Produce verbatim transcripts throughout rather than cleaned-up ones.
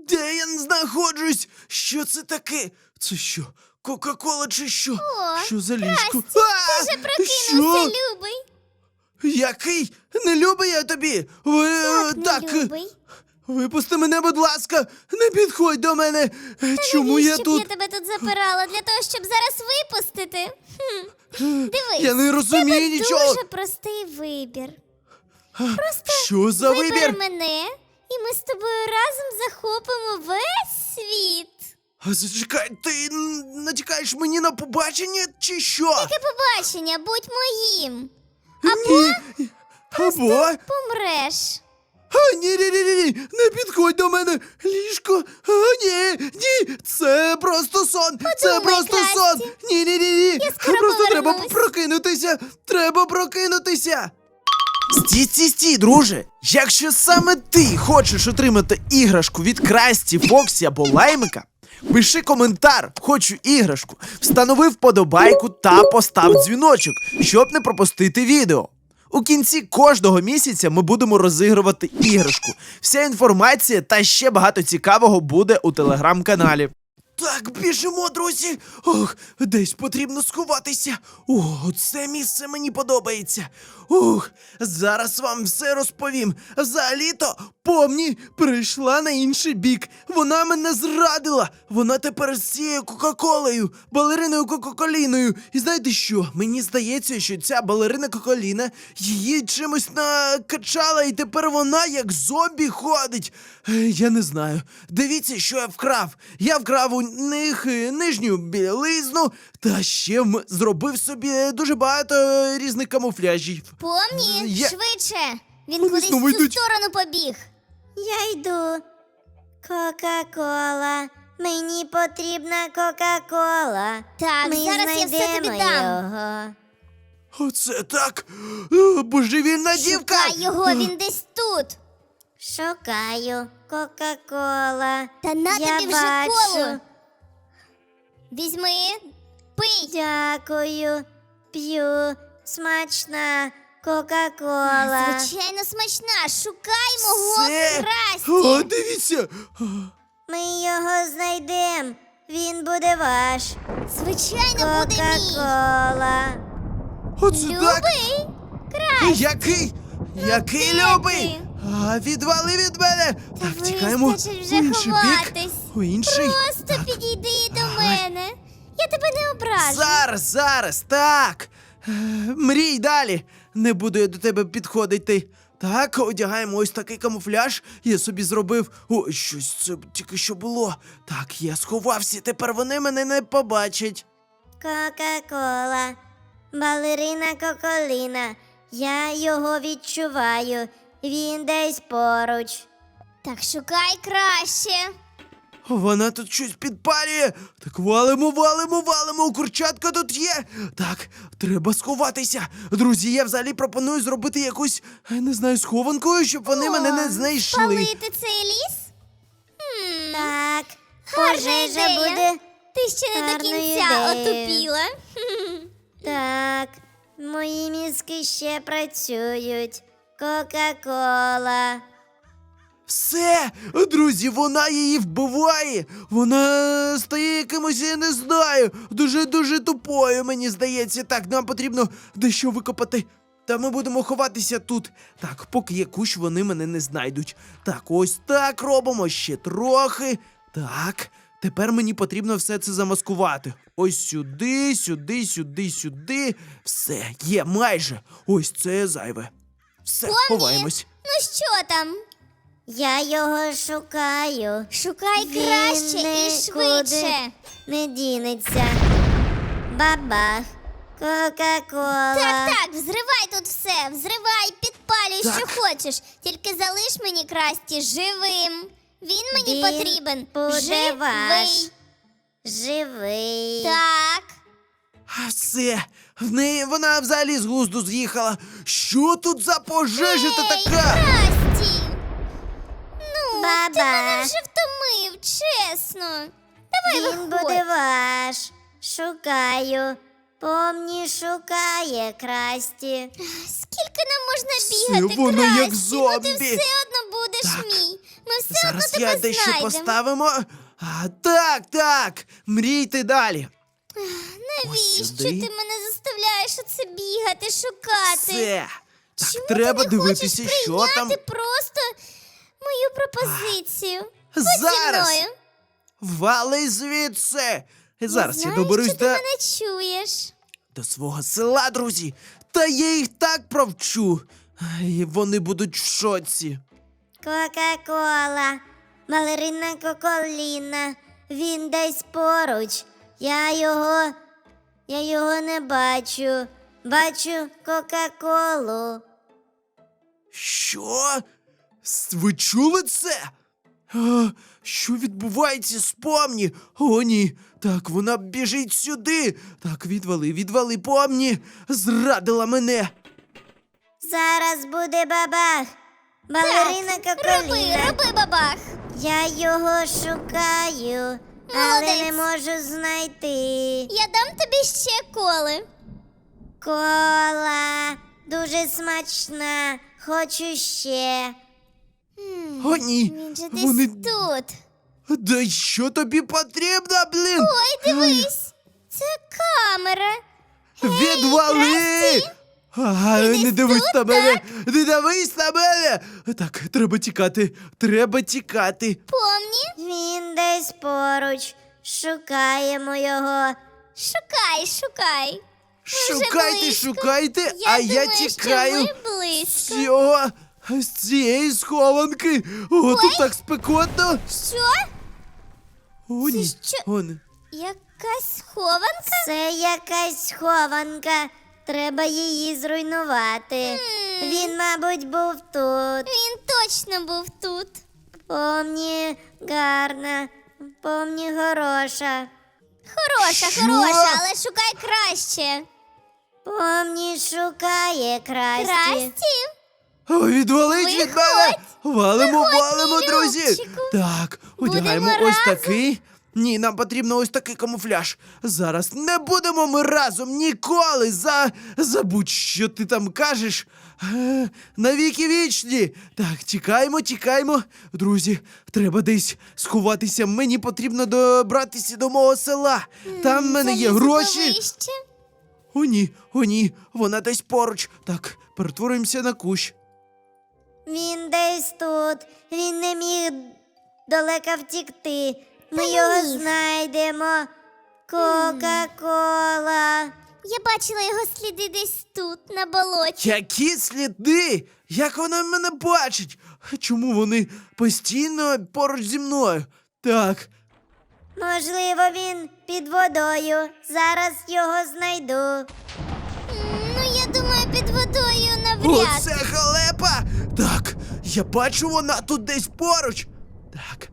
Де я знаходжусь? Що це таке? Це що? Кока-кола чи що? О, Що за ліжко? Красті, А! ти вже прокинувся, Що? любий. Який? Не любий я тобі. Ви, е, Так, так, не е, любий. випусти мене, будь ласка. Не підходь до мене. Е, Чому я Навіщо б тут? я тебе тут запирала? Для того, щоб зараз випустити? Хм. Дивись, Я не розумію тебе нічого. дуже простий вибір. Що за Вибери вибір? мене, і ми з тобою разом захопимо весь світ. А зачекай, ти н- натякаєш мені на побачення чи що? Таке побачення, будь моїм. Ні. Або? Помреш. А, ні, ні, ні, ні, ні, не підходь до мене. Ліжко. А, ні, ні, це просто сон. це просто Красті. сон. Ні, ні, ні, ні. Я скоро Просто треба повернусь. прокинутися. Треба прокинутися. Стій, стій, стій, друже. Якщо саме ти хочеш отримати іграшку від Красті, Фоксі або Лаймика, пиши коментар, хочу іграшку, встанови вподобайку та постав дзвіночок, щоб не пропустити відео. У кінці кожного місяця ми будемо розігрувати іграшку. Вся інформація та ще багато цікавого буде у телеграм-каналі. Так, біжимо, друзі. Ох, десь потрібно сховатися. О, це місце мені подобається. Ух, зараз вам все розповім. Взагалі-то Помні прийшла на інший бік. Вона мене зрадила. Вона тепер з цією Кока-Колою, балериною Кока-Коліною. І знаєте що? Мені здається, що ця балерина Кока-Коліна її чимось накачала, і тепер вона як зомбі ходить. Е, Я не знаю. Дивіться, що я вкрав. Я вкрав у них е, нижню білизну, та ще м- зробив собі дуже багато е, різних камуфляжів. Помні, Я- швидше. Він Вони кудись в знову цю йдуть. сторону побіг. Я йду. Кока-кола. Мені потрібна Кока-кола. Так, Ми зараз я все тобі знайдемо дам. його. Оце так. Е, Божевільна дівка. Шукай його, він десь тут. Шукаю Кока-кола. Та на Я тобі вже бачу. коло. Візьми, пий. Дякую. П'ю. Смачна Кока-кола. Звичайно, смачна. Шукай мого Це... Красті. О, дивіться. Ми його знайдемо. Він буде ваш. Звичайно, буде мій. Кока-кола. Оце так. Любий. Красті. Який? Який де любий? ти? А, відвали від мене. Та Так, тікаємо. вистачить вже У інший бік. ховатись. У інший. Просто Так. підійди до мене. Я тебе не ображу. Зараз, зараз, так. Е, Мрій далі. Не буду я до тебе підходити. Так, одягаємо ось такий камуфляж. Я собі зробив. О, щось це тільки що було. Так, я сховався, тепер вони мене не побачать. Кока-кола. Балерина Коколіна. Я його відчуваю. Він десь поруч. Так шукай краще. Вона тут щось підпалює. Так валимо, валимо, валимо. Курчатка тут є. Так, треба сховатися. Друзі, я взагалі пропоную зробити якусь, я не знаю, схованкою, щоб вони О, мене не знайшли. Спалити цей ліс? Хм, Так, гарна пожежа ідея. буде. Ти ще не до гарною кінця ідеєю. отупіла. Так, мої мізки ще працюють. Кока-кола. Все, друзі, вона її вбиває. Вона стає якимось, я не знаю, дуже-дуже тупою, мені здається. Так, нам потрібно дещо викопати. Та ми будемо ховатися тут. Так, поки є кущ, вони мене не знайдуть. Так, ось так робимо, ще трохи. Так, тепер мені потрібно все це замаскувати. Ось сюди, сюди, сюди, сюди. Все, є майже. Ось це зайве. Все, Помні. ховаємось. Ну що там? Я його шукаю. Шукай Він краще і нікуди швидше. Не дінеться. Бабах. Кока-кола. Так, так, взривай тут все, взривай, підпалюй, Так. що хочеш. Тільки залиш мені Красті живим. Він мені Він потрібен. буде Живий. ваш. Живий. Так. А все, в неї вона взагалі з глузду з'їхала. Що тут за пожежа та Ей, така? Красті! Ну, ти Баба. мене вже втомив, чесно. Давай Він виходь. буде ваш. Шукаю. Помні шукає Красті. Скільки нам можна Все, бігати, воно Красті? як Ну ти зомбі. все одно будеш Так. мій. Ми все одно Зараз тебе я дещо знайдемо. поставимо. А, так, так. Мрійте далі. Навіщо сюди. ти мене заставляєш оце бігати, шукати? Все. Так, Чому треба ти не дивитися, хочеш що прийняти там. просто мою пропозицію? Будь зі Зараз. мною. Вали звідси. Зараз я, Знаю, доберусь що до, ти мене чуєш. до свого села, друзі. Та я їх так провчу. І вони будуть в шоці. Кока-кола, балерина Коколіна, він десь поруч. Я його, я його не бачу. Бачу Кока-колу. Що? С- Ви чули це? А, що відбувається з помні? О, ні. Так, вона біжить сюди. Так, відвали, відвали помні. Зрадила мене. Зараз буде бабах. Балерина Роби, Коколіна. роби бабах. Я його шукаю, але не Молодець. можу знайти. Я дам тобі ще коли. Кола дуже смачна. Хочу ще. О, ні. Він же десь Вони... тут. Да що тобі потрібно, блін? Ой, дивись. Це камера. Відвали! Ага, не десь дивись тут, на мене! Не дивись на мене! Так, треба тікати, треба тікати. Помні? Він десь поруч. Шукаємо його. Шукай, шукай. Ми вже Шукайте, близько. шукайте, Я а думаю, я що тікаю ми близько. з цього, з цієї схованки. О, тут так спекотно. Що? О, ні. що? О, не. Якась схованка? Це якась схованка. Треба її зруйнувати. Він, мабуть, був тут. Він точно був тут. Помні гарна, помні хороша. Хороша, Що? хороша, але шукай краще. Помні шукає красті. Красті? О, відвалить від Виходь. мене! Валимо, Виходь, валимо, мій друзі! Любчику. Так, Будемо одягаємо ось разом. такий. Ні, нам потрібно ось такий камуфляж. Зараз не будемо ми разом ніколи. За... Забудь, що ти там кажеш. Е, навіки вічні. Так, тікаємо, тікаємо. Друзі, треба десь сховатися. Мені потрібно добратися до мого села. Там в мене є Залізу гроші. повище. О, ні, о, ні, вона десь поруч. Так, перетворюємося на кущ. Він десь тут. Він не міг далеко втікти. Ми Та не його міг. знайдемо. Кока-кола. Я бачила його сліди десь тут, на болоті. Які сліди? Як вона мене бачить? Чому вони постійно поруч зі мною? Так, Можливо, він під водою. Зараз його знайду. М, Ну, я думаю, під водою навряд. оце халепа! Так, я бачу, вона тут десь поруч. Так.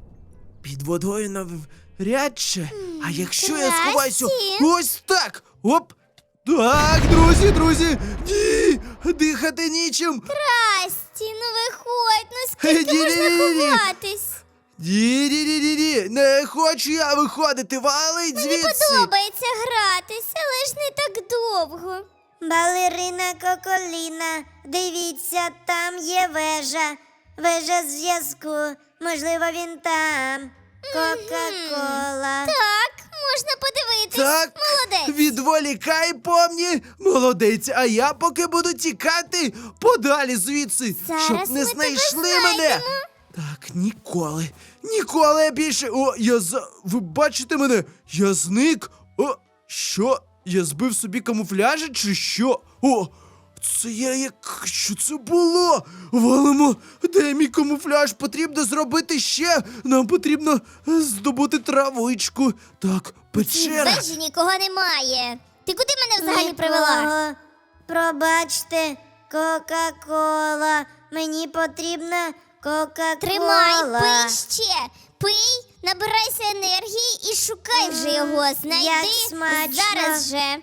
Під водою навряд чи. А якщо я Красті. сховаюся ось так. Оп. Так, друзі, друзі. Ні, дихати нічим. Красті, ну виходь, ну скільки Ні-ні-ні-ні. можна ховатись? Ді-ді-ді-ді-ді, не хочу я виходити, валить Мені звідси. подобається гратись, але ж не так довго. Балерина Коколіна. Дивіться, там є вежа. Вежа зв'язку. Можливо, він там. Кока-кола. Так, можна подивитись. Так, Молодець. відволікай, помні, молодець, а я поки буду тікати подалі звідси, Зараз щоб ми не тебе знайшли мене. знайдемо. Так, ніколи, ніколи я більше. О, я за. Ви бачите мене? Я зник. О, що? Я збив собі камуфляжі чи що? О, це я як. Що це було? Валимо, де мій камуфляж? Потрібно зробити ще. Нам потрібно е, здобути травичку. Так, В печера. вежі нікого немає. Ти куди мене взагалі привела? Нікого. Пробачте, Кока-кола. Мені потрібна Кока-кола. Тримай, пий ще. Пий, набирайся енергії і шукай вже його. Знайди як смачно. зараз же.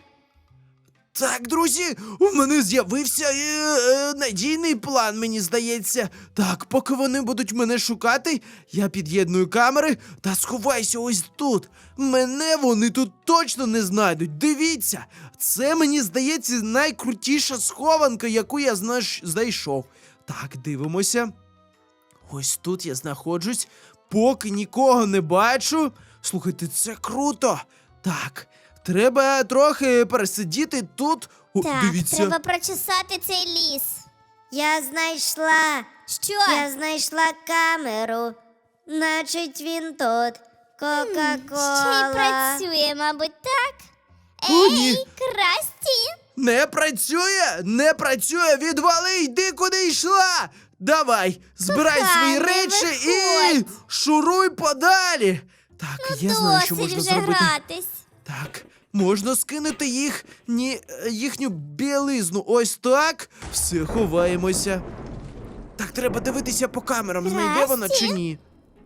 Так, друзі, у мене з'явився е, е, надійний план, мені здається. Так, поки вони будуть мене шукати, я під'єдную камери та сховаюся ось тут. Мене вони тут точно не знайдуть. Дивіться, це, мені здається, найкрутіша схованка, яку я знаш... знайшов. Так, дивимося. Ось тут я знаходжусь, поки нікого не бачу. Слухайте, це круто. Так, треба трохи пересидіти тут. О, Так, дивіться. треба прочесати цей ліс. Я знайшла. Що? Я знайшла камеру. Значить, він тут. Ще й Кока-кола. працює, мабуть, так? О, Ей, ні. Красті! Не працює, не працює, відвали, йди куди йшла. Давай, збирай Коханий, свої речі і виходь. шуруй подалі. Так, я знаю, що Досить можна вже зробити. гратись. Так, можна скинути їх, ні, е, їхню білизну. Ось так. Все, ховаємося. Так, треба дивитися по камерам, знайде вона чи Красті? ні.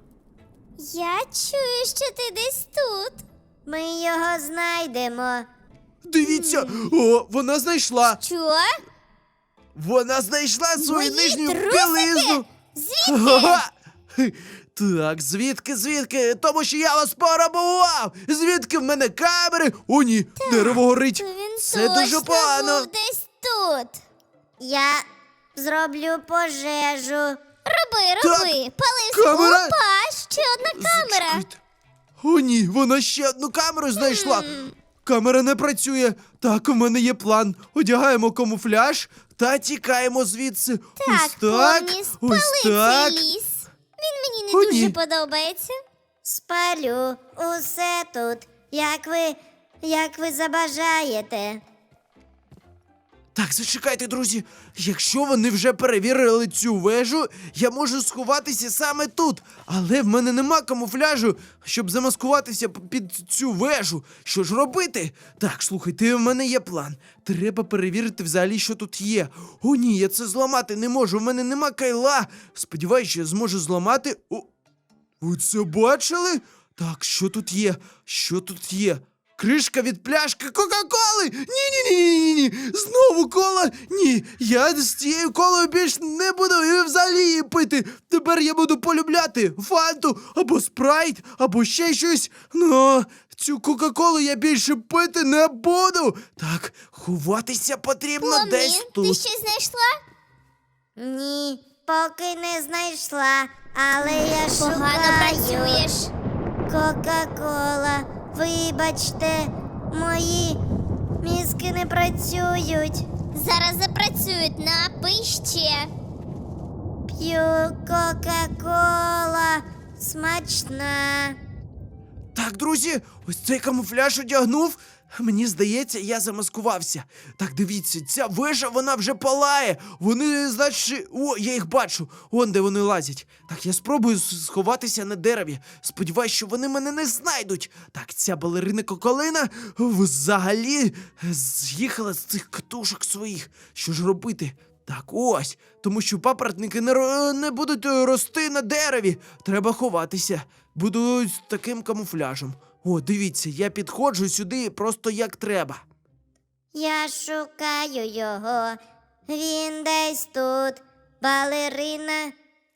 Я чую, що ти десь тут. Ми його знайдемо. Дивіться, о, вона знайшла. Що? Вона знайшла свою Мої нижню трусики? білизну. Звідки? Ага. Так, звідки, звідки? Тому що я вас порабував! Звідки в мене камери? О, ні, дерево горить. То він Це точно дуже погано. був десь тут. Я зроблю пожежу. Роби, Так, роби. Пали камера. Опа, ще одна камера. Зачекайте. О, ні, вона ще одну камеру знайшла. Камера не працює. Так, у мене є план. Одягаємо камуфляж та тікаємо звідси. Так, ось так, Помні, ось спали так. цей ліс. Він мені не О, дуже ні. подобається. Спалю усе тут, як ви, як ви забажаєте. Так, зачекайте, друзі. Якщо вони вже перевірили цю вежу, я можу сховатися саме тут. Але в мене нема камуфляжу, щоб замаскуватися п- під цю вежу. Що ж робити? Так, слухайте, в мене є план. Треба перевірити взагалі, що тут є. О, ні, я це зламати не можу. В мене нема кайла. Сподіваюсь, що я зможу зламати. О, ви це бачили? Так, що тут є? Що тут є? Кришка від пляшки Кока-Коли! Ні-ні-ні-ні-ні! Знову кола! Ні! Я з цією колою більш не буду і взагалі її пити! Тепер я буду полюбляти фанту, або спрайт, або ще щось. Ну, цю Кока-Колу я більше пити не буду! Так, ховатися потрібно Помні, десь ти тут. щось знайшла? Ні, поки не знайшла, але я Погано шукаю. працюєш. Кока-кола, вибачте, мої мізки не працюють. Зараз запрацюють, напий ще. П'ю Кока-кола, смачна. Так, друзі, ось цей камуфляж одягнув. Мені здається, я замаскувався. Так, дивіться, ця вежа, вона вже палає. Вони, значить, о, я їх бачу. Он де вони лазять. Так, я спробую с- сховатися на дереві. Сподіваюсь, що вони мене не знайдуть. Так, ця балерина Коколина взагалі з'їхала з цих катушок своїх. Що ж робити? Так, ось. Тому що папоротники не, ро- не будуть е, рости на дереві. Треба ховатися. Буду з таким камуфляжем. О, дивіться, я підходжу сюди просто як треба. Я шукаю його. Він десь тут. Балерина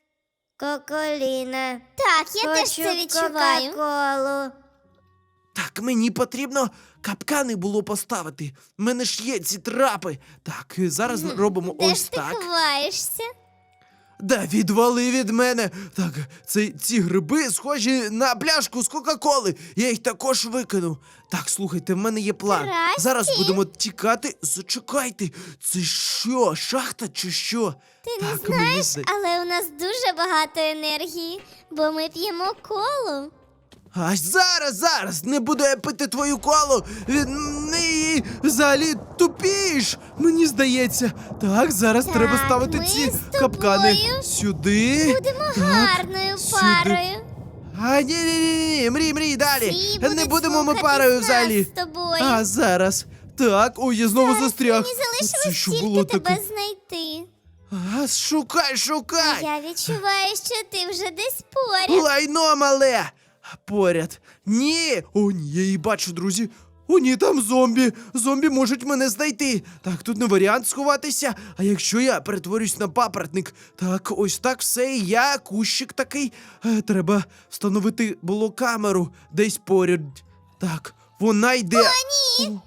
Коколіна. Так, я теж Хочу це відчуваю. Кока-колу. Так, мені потрібно капкани було поставити. В мене ж є ці трапи. Так, е, зараз робимо Де ось ж ти так. ховаєшся? Да, відвали від мене. Так, це, ці гриби схожі на пляшку з Кока-Коли. Я їх також викинув. Так, слухайте, в мене є план. Красті? Зараз будемо тікати. Зачекайте, це що, шахта чи що? Ти не так, мені знаєш, зда- але у нас дуже багато енергії, бо ми п'ємо колу. А зараз, зараз, не буду я пити твою колу. Від неї взагалі тупіш, мені здається. Так, зараз Так, треба ставити ми ці з капкани. тобою Сюди. Будемо так, гарною сюди. парою. А, ні, ні, ні, ні, мрій, мрій, далі. Всі Не будуть будемо ми слухатись парою нас взагалі. з тобою. А, зараз. Так, ой, я знову Зараз застряг. мені Це залишилось що тільки було тебе таке? знайти. А, шукай, шукай. Я відчуваю, що ти вже десь поряд. Лайно мале! Поряд. Ні! О, ні, я її бачу, друзі. О, ні, там зомбі. Зомбі можуть мене знайти. Так, тут не варіант сховатися. А якщо я перетворюсь на папоротник? Так, ось так все, і я, кущик такий. Е, треба встановити було камеру десь поряд. Так, вона йде. О, ні!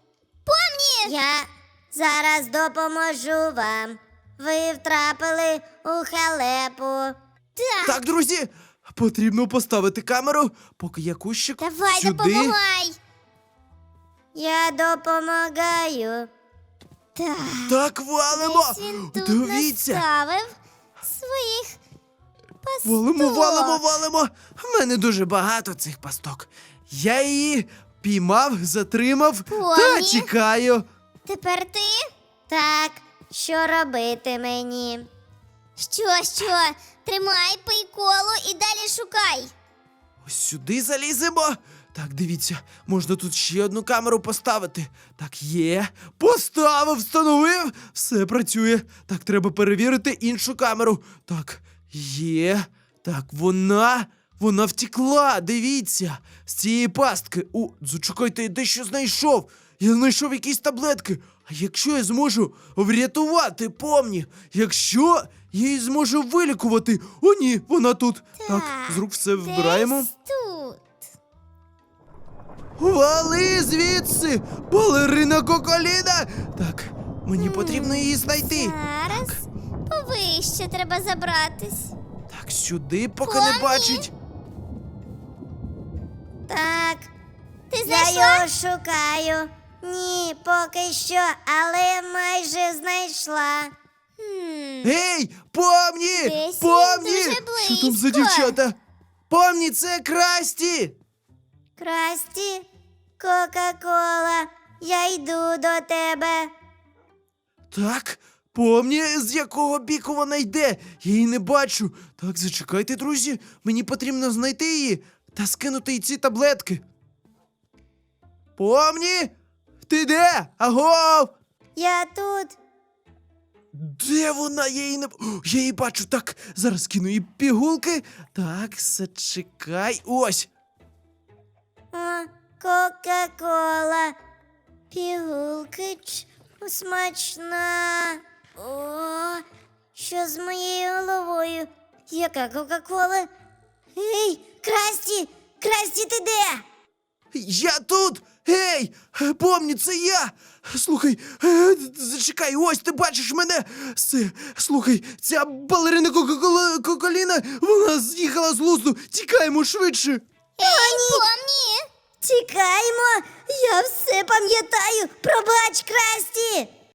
Я зараз допоможу вам. Ви втрапили у халепу. Так, Так, друзі, потрібно поставити камеру, поки я кущик давай, сюди. допомагай. Я допомагаю. Так, Так, валимо! десь він тут Дивіться! наставив своїх пасток. Валимо, валимо, валимо! В мене дуже багато цих пасток. Я її піймав, затримав та Помні. тікаю. Тепер ти? Так, що робити мені? Що, що? Тримай, пий коло і далі шукай. Ось сюди заліземо. Так, дивіться, можна тут ще одну камеру поставити. Так, є. Поставив, встановив. Все працює. Так, треба перевірити іншу камеру. Так, є. Так, вона. Вона втекла. Дивіться. З цієї пастки. О, зачекайте, я дещо знайшов. Я знайшов якісь таблетки. А якщо я зможу врятувати помні? Якщо я її зможу вилікувати. О, ні, вона тут. Так, з рук все вбираємо. Десь тут. Вали звідси! Балерина Коколіна! Так, мені потрібно її знайти. Зараз повище треба забратись. Так, сюди, поки не Помні. бачить. Так, Ти я знайшла? його шукаю. Ні, поки що, але майже знайшла. Хм. Гей, помні! Десь він Помні! дуже Що там за близько. дівчата? Помні, це Красті! Красті, Кока-Кола, я йду до тебе. Так, помні, з якого біку вона йде? Я її не бачу. Так, зачекайте, друзі. Мені потрібно знайти її та скинути їй ці таблетки. Помні? Ти де? Агов! Я тут. Де вона? Я її не. О, я її бачу. Так, зараз кину їй пігулки. Так, зачекай. Ось. О, Кока-Кола. Пігулки ч, смачна. О, що з моєю головою? Яка Кока-Кола? Ей, Красті! Красті, ти де? Я тут! Гей! Помні, це я! Слухай, е, зачекай, ось ти бачиш мене! Все, слухай, ця балерина Кока-Кола- Коколіна, вона з'їхала з глузду! Тікаємо швидше! Ей, помні! Тікаємо! Я все пам'ятаю! Пробач, Красті!